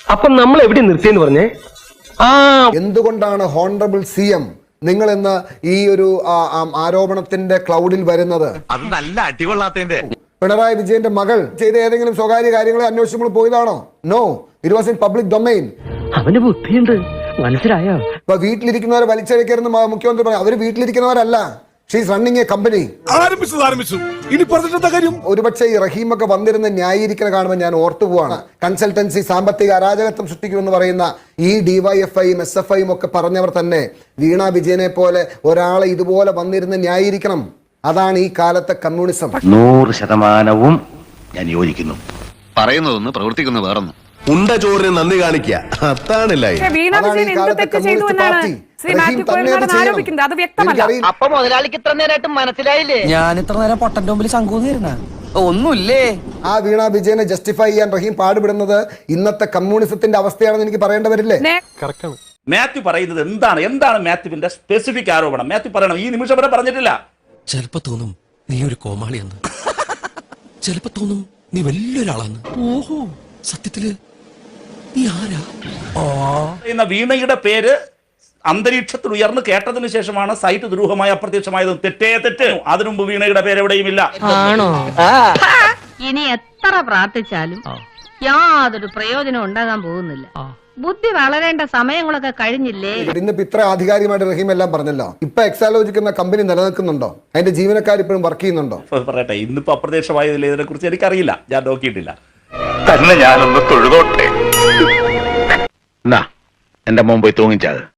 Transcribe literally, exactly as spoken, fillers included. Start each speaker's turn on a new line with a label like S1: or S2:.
S1: അപ്പൊ നമ്മൾ എവിടെ നിർത്തിയെന്ന് പറഞ്ഞേ? ആ
S2: എന്തുകൊണ്ടാണ് ഹോണറബിൾ സി എം നിങ്ങൾ എന്ന ഈ ഒരു ആരോപണത്തിന്റെ ക്ലൗഡിൽ വരുന്നത്?
S3: അത് നല്ല അടികൊള്ളാത്തതിന്റെ.
S2: പിണറായി വിജയന്റെ മകൾ ചെയ്ത ഏതെങ്കിലും സ്വകാര്യ കാര്യങ്ങളെ അന്വേഷിച്ചുമ്പോൾ പോയതാണോ? No, it was in public domain.
S1: അവന് ബുദ്ധിയുണ്ട്, മനസ്സിലായോ?
S2: ഇപ്പൊ വീട്ടിലിരിക്കുന്നവരെ വലിച്ചഴിക്കരുന്ന് മുഖ്യമന്ത്രി പറഞ്ഞു. അവര് വീട്ടിലിരിക്കുന്നവരല്ല, ഷീസ് റണ്ണിങ് എ കമ്പനി. ഒരുപക്ഷെ ഈ റഹീമൊക്കെ വന്നിരുന്ന് ന്യായീകരിക്കുന്ന കാണുമ്പോൾ ഞാൻ ഓർത്തു പോവാണ്, കൺസൾട്ടൻസി സാമ്പത്തിക അരാജകത്വം സൃഷ്ടിക്കുമെന്ന് പറയുന്ന ഈ ഡിവൈഎഫ്ഐയും എസ് എഫ് ഐയും ഒക്കെ പറഞ്ഞവർ തന്നെ വീണ വിജയനെ പോലെ ഒരാളെ ഇതുപോലെ വന്നിരുന്ന് ന്യായീകരിക്കണം. അതാണ് ഈ കാലത്തെ കമ്മ്യൂണിസം.
S4: നൂറ് ശതമാനവും ഞാൻ യോജിക്കുന്നു.
S3: പറയുന്നതൊന്ന് പ്രവർത്തിക്കുന്ന വേറൊന്നും.
S5: ഉണ്ട ചോറിന് നന്ദി കാണിക്കുക, അതാണില്ല.
S6: അപ്പൊ മുതലാളിക്ക് ഇത്ര നേരമായിട്ട് മനസ്സിലായില്ലേ?
S7: ഞാൻ ഇത്ര നേരം പൊട്ടന്റെ മുമ്പിൽ ശങ്കൂന്നിരുന്ന ഒന്നുമില്ലേ?
S2: ആ വീണ വിജയനെ ജസ്റ്റിഫൈ ചെയ്യാൻ റഹീം പാടുപെടുന്നത് ഇന്നത്തെ കമ്മ്യൂണിസത്തിന്റെ അവസ്ഥയാണെന്ന് എനിക്ക് പറയേണ്ടി വരില്ലേ?
S8: മാത്യു പറയുന്നത് എന്താണ്? എന്താണ് മാത്യുവിന്റെ സ്പെസിഫിക് ആരോപണം? മാത്യു പറയണം. ഈ നിമിഷം വരെ പറഞ്ഞിട്ടില്ല.
S9: ചിലപ്പോ തോന്നും നീ ഒരു കോമാളിയെന്ന്, ചിലപ്പോ തോന്നും നീ വലിയൊരാളാന്ന്. ഓഹോ, സത്യത്തില് നീ ആരാ?
S8: എന്ന വീണയുടെ പേര് അന്തരീക്ഷത്തിൽ ഉയർന്നു കേട്ടതിന് ശേഷമാണ് സൈറ്റ് ദുരൂഹമായി അപ്രത്യക്ഷമായത്. തെറ്റേ തെറ്റ്. അതിനു മുമ്പ് വീണയുടെ പേര് എവിടെയും ഇല്ല.
S6: ഇനി എത്ര പ്രാർത്ഥിച്ചാലും യാതൊരു പ്രയോജനം ഉണ്ടാകാൻ പോകുന്നില്ല. ബുദ്ധി വളരേണ്ട സമയങ്ങളൊക്കെ കഴിഞ്ഞില്ലേ?
S2: ഇന്നിപ്പോ ഇത്ര ആധികാരികമായിട്ട് റഹീം എല്ലാം പറഞ്ഞല്ലോ. ഇപ്പൊ എക്സാലോജിക് എന്ന കമ്പനി നിലനിൽക്കുന്നുണ്ടോ? അതിന്റെ ജീവനക്കാർ ഇപ്പോഴും വർക്ക് ചെയ്യുന്നുണ്ടോ?
S8: പറയട്ടെ, ഇന്നിപ്പോ അപ്രത്യക്ഷമായതിൽ ഇതിനെ കുറിച്ച് എനിക്കറിയില്ല, ഞാൻ നോക്കിയിട്ടില്ല.
S4: തന്നെ ഞാനൊന്ന് തൊഴുതോട്ടെ. എന്നാ എന്റെ മോൻ പോയി തൂങ്ങിച്ചത്.